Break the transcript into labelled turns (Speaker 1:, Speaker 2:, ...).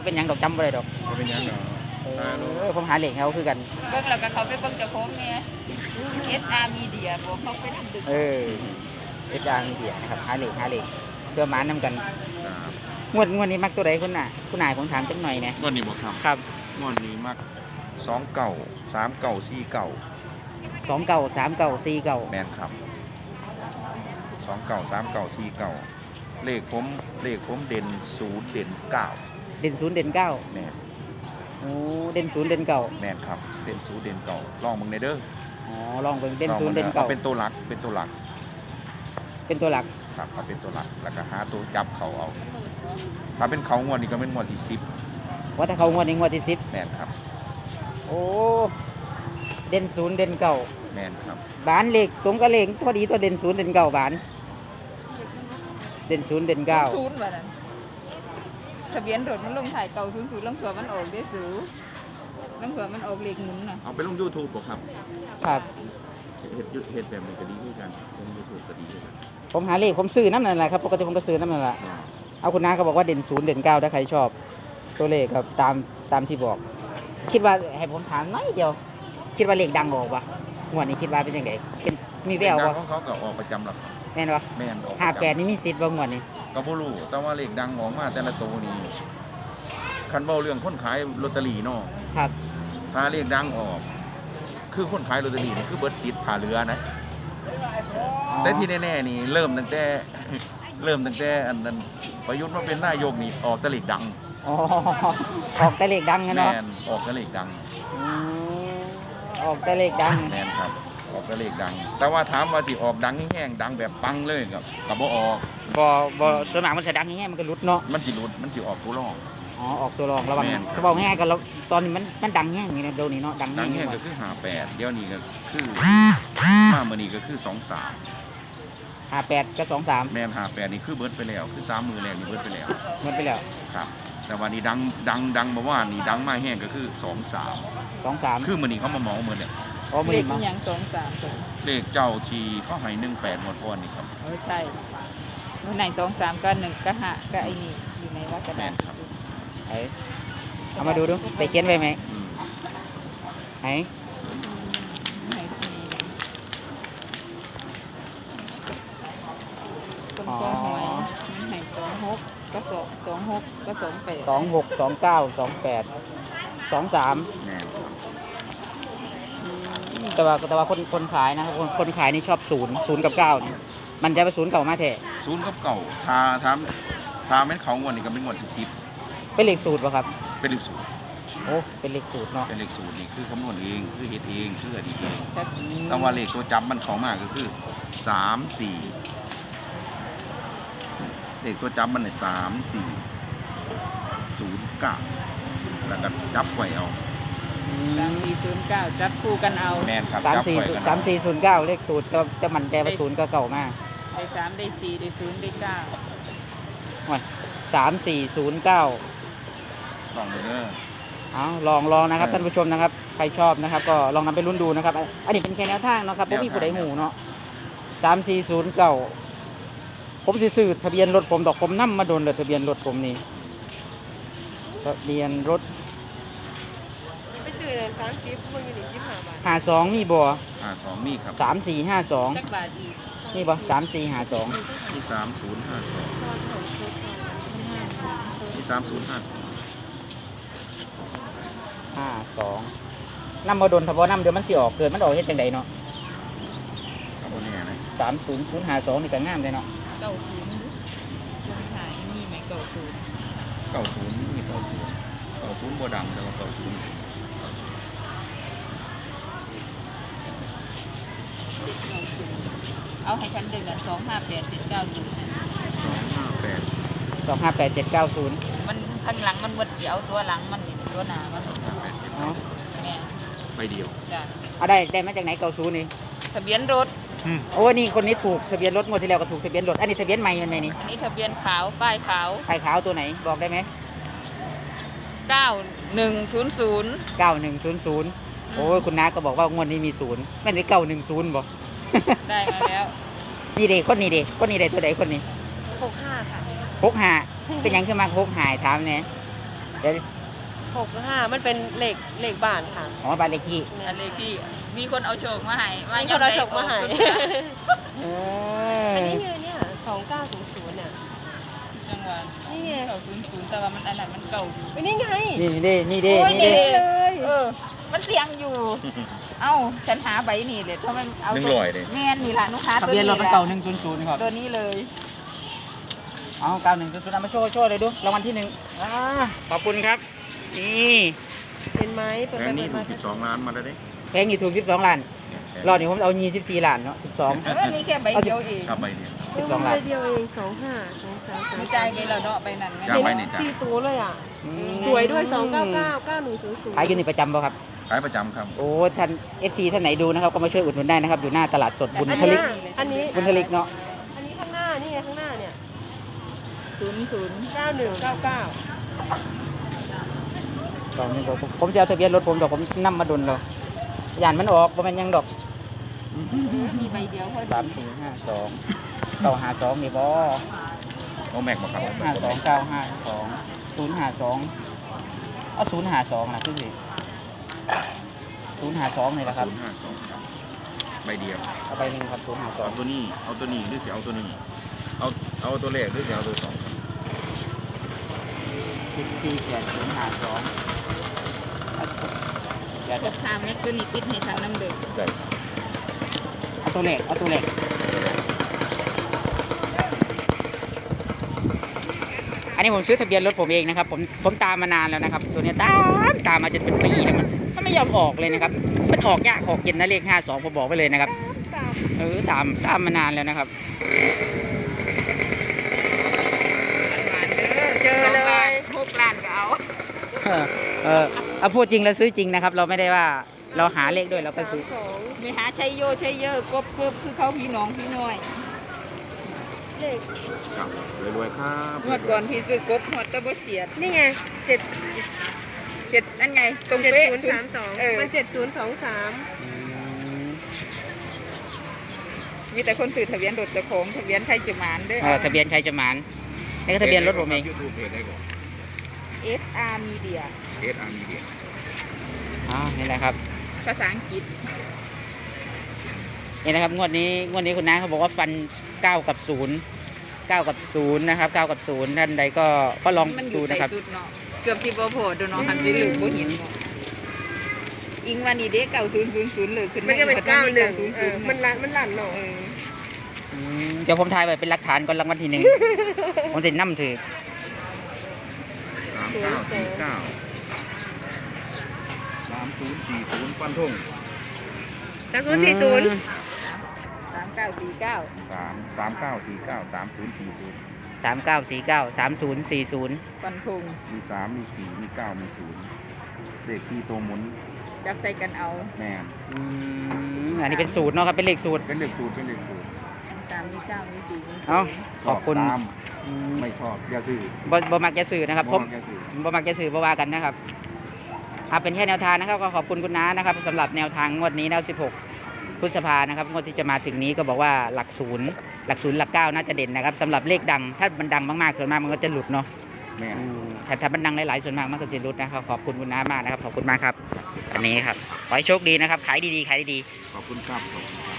Speaker 1: เป็นหยังดอกจำบ่ได้ดอก
Speaker 2: บ่เป็นหยังดอก
Speaker 1: ผมหาเหล็กเขาคือกัน
Speaker 3: เบิ่งแล้วก็เขาไปเบิ่งเจ้าของเนี่ย SR Media บอกเขาไปทำดึก
Speaker 1: เอจางเบียนะครับหาเหล็กเพื่อหมานำกัน
Speaker 2: ครับ
Speaker 1: งวดนี้มักตัวใดคุณน่ะคุณนายผมถามจังหน่อยนะ
Speaker 2: งวดนี้บ่ครับ
Speaker 1: ครับ
Speaker 2: งวดนี้มัก2เก่า3เก่า4เก่า
Speaker 1: 2 เก่า3 เก่า4 เก่า
Speaker 2: แม่นครับ2เก่า3เก่า4เก่าเลขผมเด่น0เด่น9
Speaker 1: เด่น0เด่น9
Speaker 2: แม่น
Speaker 1: โอ้เด่น0เด่นเก่า
Speaker 2: แม่นครับเด่น0เด่นเก่าลองมึงในเด้อ
Speaker 1: อ๋อลองเบิ่งเด่น
Speaker 2: ลอง
Speaker 1: 0
Speaker 2: บิ่ง
Speaker 1: เด่น
Speaker 2: อา
Speaker 1: เก่า
Speaker 2: เป็นตัวหลักเป็นตัวหลัก
Speaker 1: เป็นตัวหลัก
Speaker 2: ครับเอาเป็นตัวหลักแล้วก็หาตัวจับเขาเอาถ้าเป็นเขางวดนี้ก็เป็นงวดที่
Speaker 1: ว่าถ้าเขางวดนี้งวดที่10
Speaker 2: 10แม่นครับ
Speaker 1: โอ้เด่น0เด่นเก่า
Speaker 2: แม่นครับ
Speaker 1: บานเหล็กตรงกับเหล็กพอดีตัวเด่น0เด่นเก่าบานเด่น0เด่น9
Speaker 3: ศูนย์ว่านั่นทะเบียนรถมันลงถ่ายเก่าศูนย์ลงเผื่อมันออกได้สูลงเผื่อมันออกเลขหมุนน่ะ
Speaker 2: เอาไปลง YouTube บ่ครับ
Speaker 1: ครับ
Speaker 2: เฮ็ดแบบนี้ก็ดีคือกันลง YouTube ก็ดีคือกัน
Speaker 1: ผมหาเลขผมซื้อน้ำนั่นแหละครับปกติผมก็ซื้อน้ำนั่นแหละ
Speaker 2: อ่า
Speaker 1: เอาคุณน้าก็บอกว่าเด่น0เด่น9ถ้าใครชอบตัวเลขครับตามที่บอก คิดว่าให้ผมถามน้อยเดียว คิดว่าเลขดังออกปะงวดนี้คิดว่าเป็นยังไงเป็นมีแวว
Speaker 2: เลขดั
Speaker 1: ปะ
Speaker 2: งของเขาก็ออกประจำหรอก
Speaker 1: แม่นปะ
Speaker 2: แม่นออกประจำ
Speaker 1: 58นี่มีสิทธิ์บ่งวดนี้
Speaker 2: ก็บ่รู้แต่ว่าเลขดังออกมาแต่ละตัวนี่คันเว้าเรื่องคนขายลอตเตอรี่เนาะ
Speaker 1: ครับ
Speaker 2: ถ้าเลขดังออก คือคนขายลอตเตอรี่นี่คือเบิดสิทธิ์ผ่าเรือนะ แต่ที่แน่ๆนี่เริ่มตั้งแต่ อันนั้นประยุทธ์มาเป็นนายกนี่ออกแต่เลขดัง
Speaker 1: อ๋อออกแต่เลขดังนะ
Speaker 2: แม่
Speaker 1: เนาะ
Speaker 2: นออกแต่เลขดัง
Speaker 1: อืมออกแต่เลขดัง
Speaker 2: แม่นครับ ออกแต่เลขดัง แต่ว่าถามว่าสิออกดังแห้งๆดังแบบปังเลยก็บ่ออก
Speaker 1: บ่ส่วนมากมันจะดังง่ายๆมันก็หลุดเนาะ
Speaker 2: มันสิหลุดมันสิออกตัวรอง
Speaker 1: อ๋อออกตัวรองระวัง
Speaker 2: แม่น
Speaker 1: เขาบอกง่ายๆกันแล้วตอนนี้มันดังแห้งอย่างนี้นะเดี๋ยวนี้เนาะดัง
Speaker 2: ดั
Speaker 1: แห้
Speaker 2: ง
Speaker 1: ง
Speaker 2: แห้ง
Speaker 1: ก
Speaker 2: ก็
Speaker 1: ว่า
Speaker 2: คือ58เดี๋ยวนี้ก็คือมามื้อนี้ก็คือ23
Speaker 1: 58กับ23
Speaker 2: แม่น58นี่คือเบิดไปแล้วคือ3มื้อแรกนี่เบิดไปแล้ว
Speaker 1: มันไปแล้ว
Speaker 2: ครับ แต่ว่านี่ดังบ่ว่านี่ดังมาแห้งก็คือ23
Speaker 1: 23
Speaker 2: คือมื้อนี้เขามาเหมาหมดเลย
Speaker 1: อ๋อมื
Speaker 3: เล
Speaker 1: อ
Speaker 3: ข
Speaker 1: มา
Speaker 3: อีหยัง2 3
Speaker 2: เลขเจ้าที่เขาให้18หมดก่อนนี่ครับ
Speaker 3: ใช่มื้อไหน2 3ก็1ก็5ก็ไอ้นี่อยู่ในว่ากระดาษ
Speaker 1: ไหนเอามาดูไปเขียนไว้ไหม
Speaker 2: อืม
Speaker 1: ไหน
Speaker 3: ไหนที่ต้นกล้วยหวยมันไหน26ก็26ก็28
Speaker 1: 26 29 28 23
Speaker 2: แม่นครับ
Speaker 1: แต่ว่าคนขายนะครับคนขายนี่ชอบ0กับ9นี่มันจะไป0เก่ามาแท้
Speaker 2: ศูนย์กับเก่าถ้าแม่นเขางวดนี่ก็เป็นงวดที่10
Speaker 1: เป็นเลขสูตรป่ะครับ
Speaker 2: เป็นเลขศูนย์
Speaker 1: โอ้เป็นเลขสูตรเนาะ
Speaker 2: เป็นเลขศูนย์นี่คือคำนวณเองคือเฮ็ดเองคืออดีตเอง
Speaker 3: ครับ
Speaker 2: แต่ว่าเลขตัวจับมันเข้ามาก็คือ3 4เลขตัวจับมันเนี่ย3 4 0 9แล้วก็จับไว้เอา
Speaker 3: 3409จับคู่กันเอา
Speaker 2: แม่นครับ
Speaker 1: สาม
Speaker 2: จับ
Speaker 1: สี่
Speaker 2: ไว้กัน
Speaker 1: สามสี่ศูนย์เก้าเลขสูตรก็จะมันใจว่า0ก็เก่ามาก
Speaker 3: ได้3ได้4ได้0ได้
Speaker 1: 3409
Speaker 2: ลองเลยเด้อ
Speaker 1: เอาลองนะครับท่านผู้ชมนะครับใครชอบนะครับ ก็ลองนำไปรุ่นดูนะครับอันนี้เป็นแค่แนวทางเนาะครับผมมีผู้ใดหูเนาะ3409ผมสิซื้อทะเบียนรถผมดอกผมนำมาโดนเลยทะเบียนรถผมนี่ทะเบียนรถ
Speaker 3: ไปซื้อเลย30มันอยู่นี่25 บาท
Speaker 1: 52มีบ่
Speaker 2: 52มีครับ
Speaker 1: 3452
Speaker 3: จักบาทอีก
Speaker 1: มีบ่3452
Speaker 2: มี3052มี3052
Speaker 1: 52นำมาโดนถ้าบ่นำเดี๋ยวมันสิออกเกิดมันออกเฮ็ดจังไดเนาะ
Speaker 2: ครับบ่แน่นะ
Speaker 1: 30052นี่ก็งามเลยเนาะ
Speaker 3: 90ช่วงท้ายมีไหม90
Speaker 2: 90มี90บ่ดังแต่ว่า90
Speaker 3: เอาให้ฉันดึง258 790
Speaker 2: 258
Speaker 1: 258790
Speaker 3: มันข้างหลังมันหมดเดี๋ยวตัวหลังมันนี่ตัวหน้ามัน
Speaker 1: เนาะ
Speaker 3: แม่
Speaker 2: ไปเดียว
Speaker 3: จ้ะ
Speaker 1: เอาได้มาจากไหน90นี่
Speaker 3: ทะเบียนรถ
Speaker 1: โอ้นี่คนนี้ถูกทะเบียนรถงวดที่แล้วก็ถูกทะเบียนรถอันนี้ทะเบียนใหม่มันไหมนี่
Speaker 3: อันนี้ทะเบียนขาวป้ายขาว
Speaker 1: ไข่ขาวตัวไหนบอกได้ไหม
Speaker 3: 9100
Speaker 1: 9100โอ้ยคุณน้าก็บอกว่างวดนี้มี0ไม่ได้910บ่
Speaker 3: ได้มาแล้ว
Speaker 1: นี่เด็กคนนี้เด็กคนนี้เด็กตัวไหนคนนี้
Speaker 3: 65ค่ะ
Speaker 1: 65เป็นหยังขึ้นมา65ถามแหน่เดี๋ยว
Speaker 4: 65มันเป็นเหล็กบ้านค่ะ
Speaker 1: อ๋อบ้านเลขที่
Speaker 3: อันเลขที่มีคนเอาโชคมาให้
Speaker 4: มีคนเอาโชคมาให้
Speaker 1: เอ
Speaker 4: อัน
Speaker 1: อ
Speaker 4: นี้ไงเนี่ย2900เนี่ย
Speaker 3: จังหวะ
Speaker 4: นี่ไง
Speaker 3: เก่า00แต่ว่ามันอันนั้นมันเก่าอยู่
Speaker 4: เป็นนี่ไง
Speaker 1: นี่เด้
Speaker 4: โอ้ย
Speaker 1: นี่
Speaker 4: เด็
Speaker 1: เด้
Speaker 4: เลย
Speaker 3: มันเสียงอยู่ เอ้าฉันหาใบนี่เลยถ้ามันเอา
Speaker 2: 100เลย
Speaker 3: แม่นนี่ล่ะลูกค้า
Speaker 1: ทะเบียนรถมันเก่า100ครับ
Speaker 3: ตัวนี้เลย
Speaker 1: เอา9100เอามาโชว์เลยดูรางวัลที่1ขอบคุณครับนี่
Speaker 4: เป็นไหมเปิด
Speaker 2: แผ
Speaker 4: ไป
Speaker 2: งนี้
Speaker 4: เปิ
Speaker 2: ถู
Speaker 4: ด
Speaker 2: ก
Speaker 4: มา
Speaker 2: 12 ล้านมาแล้วเด้
Speaker 1: แพงนี่ถูก12ล้านรอบนี้ผมเอา24ล้านเนาะ12
Speaker 3: นี่แค่ใบเดียวเอง
Speaker 2: ครับใบเดียว
Speaker 1: 12ล้าน
Speaker 4: เดียวเอง25
Speaker 3: มีใจายไปแล้วเนาะใบนั้น
Speaker 2: จ้าใบนี่จ้ะ
Speaker 4: 4ตัวเลยอ่ะ สวยด้วย299 9100
Speaker 1: ขายอยู่นี่ประจำป่ะครับ
Speaker 2: ขายประจำครับ
Speaker 1: โอ้ท่าน FC ท่านไหนดูนะครับก็มาช่วยอุดหนุนได้นะครับอยู่หน้าตลาดสดบุญทลิก
Speaker 4: อันนี้
Speaker 1: บุญทลิกเนาะ
Speaker 4: อันนี้ข้างหน้านี่ไงข้างหน้าเนี่ย 9199
Speaker 1: ตอนนี้ผมจะเอาทะเบียนรถผมดอกผมนำมาดุนเราย่านมันออกบ่แม่นหยังดอก
Speaker 3: มีใบเดียวพอดี
Speaker 1: 3452 952นี่บ่
Speaker 2: โอ้แม็กมาครับ
Speaker 1: 52952 052เอา052นะคือสิ052นี่แหละครับ
Speaker 2: 052ครับใบเดียว
Speaker 1: เอาไปหนึงครับ
Speaker 2: เอาตัวนี้หรือจะเอาตัวนี้เอาตัวแรกหรือจะเอาตัวสอง
Speaker 1: 052 เดี๋ยว
Speaker 3: พวกทาแม็กตัวนี้ติดให้ทางน้ำเดือด
Speaker 2: ได้
Speaker 1: เอาตัวแรกอันนี้ผมซื้อทะเบียนรถผมเองนะครับผมตามมานานแล้วนะครับตัวเนี้ยตามมาจนเป็นปีแล้วมันไม่ยอมออกเลยนะครับมันออกยากออกเย็นนะเลข52ผมบอกไปเลยนะครับตามมานานแล้วนะครับ
Speaker 3: เจอเลย6 ล้านก็เอา
Speaker 1: เอาพูดจริงแล้วซื้อจริงนะครับ เราไม่ได้ว่าเราหาเลขด้วยเราก็ซื้อ
Speaker 3: ไม่หาชัยโยชัยเยอะกบเกือบคือเขาพี่น้องพี่น้อย
Speaker 4: เลข
Speaker 2: ครับรวยๆครับ
Speaker 3: งวดก่อนพี่ซื้อกบหอดตะบ่เฉียด
Speaker 4: นี่ไง
Speaker 3: นั่นไงตรงเป๊ะ
Speaker 4: 7032มัน7023
Speaker 3: มีแต่คนซื้อทะเบียนรถเจ้าของทะเบียนไทยจุมานเด้อ
Speaker 1: ทะเบียนใครจะหมานนี่ก็ทะเบียนรถผมเอง
Speaker 2: ยูทูบเพจได้ก่อน
Speaker 3: SR Media
Speaker 2: SR Media
Speaker 1: นี่แหละครับ
Speaker 3: ภาษาอังกฤษ
Speaker 1: นี่นะครับงวดนี้คุณน้าเขาบอกว่าฟัน9 กับ 0นะครับ9 กับ 0ท่านใดก็ลอง
Speaker 3: มันอ
Speaker 1: ดู
Speaker 3: ยู่ใต้
Speaker 1: นะครับ
Speaker 3: สุดเนาะเกือบที่บ่โผล่ดูเนาะหันไปลืมบ่เห็นเนาะอิงวันนี้เด้9000เลยขึ้น
Speaker 4: มันจะเป็น
Speaker 3: อีก
Speaker 4: 91มันลั่นเนาะ
Speaker 1: เดี๋ยวผมถ่ายไว้เป็นหลักฐานก่อนรางวัลที่ 1 ผมจะนำถือ
Speaker 2: 3040ฟันธง
Speaker 4: 3040
Speaker 3: 3949
Speaker 1: 3949 3040
Speaker 3: ฟันธง
Speaker 2: มี3มี4มี9มี0เลขที่ตัวหมุน
Speaker 3: จับใส่กันเอา
Speaker 2: แม่น
Speaker 1: อันนี้เป็นสูตรเนาะครับเป็นเลขสูตร
Speaker 2: เป็นเลขสูตร
Speaker 3: 3มี9มี4มี
Speaker 1: เอ้าขอบคุณ
Speaker 2: ตามไม่ชอบอย่าซื้อ
Speaker 1: บ่มักจะสื่อนะครับผม
Speaker 2: อย่าซื้อ
Speaker 1: บ่มักจะสื่อบ่ว่ากันนะครับเป็นแค่แนวทางนะครับก็ขอบคุณคุณน้านะครับสำหรับแนวทางงวดนี้นะ16 พฤษภานะครับงวดที่จะมาถึงนี้ก็บอกว่าหลักศูนย์หลัก9น่าจะเด่นนะครับสำหรับเลขดังถ้ามันดังมากๆส่วนมากมันก็จะหลุดเนาะ
Speaker 2: แม่น
Speaker 1: แต่ถ้ามันดังหลายๆส่วนมากมันก็จะหลุดนะครับขอบคุณคุณน้ามากนะครับขอบคุณมากครับ อันนี้ครับขอให้โชคดีนะครับขายดีๆ
Speaker 2: ขอบคุณครับ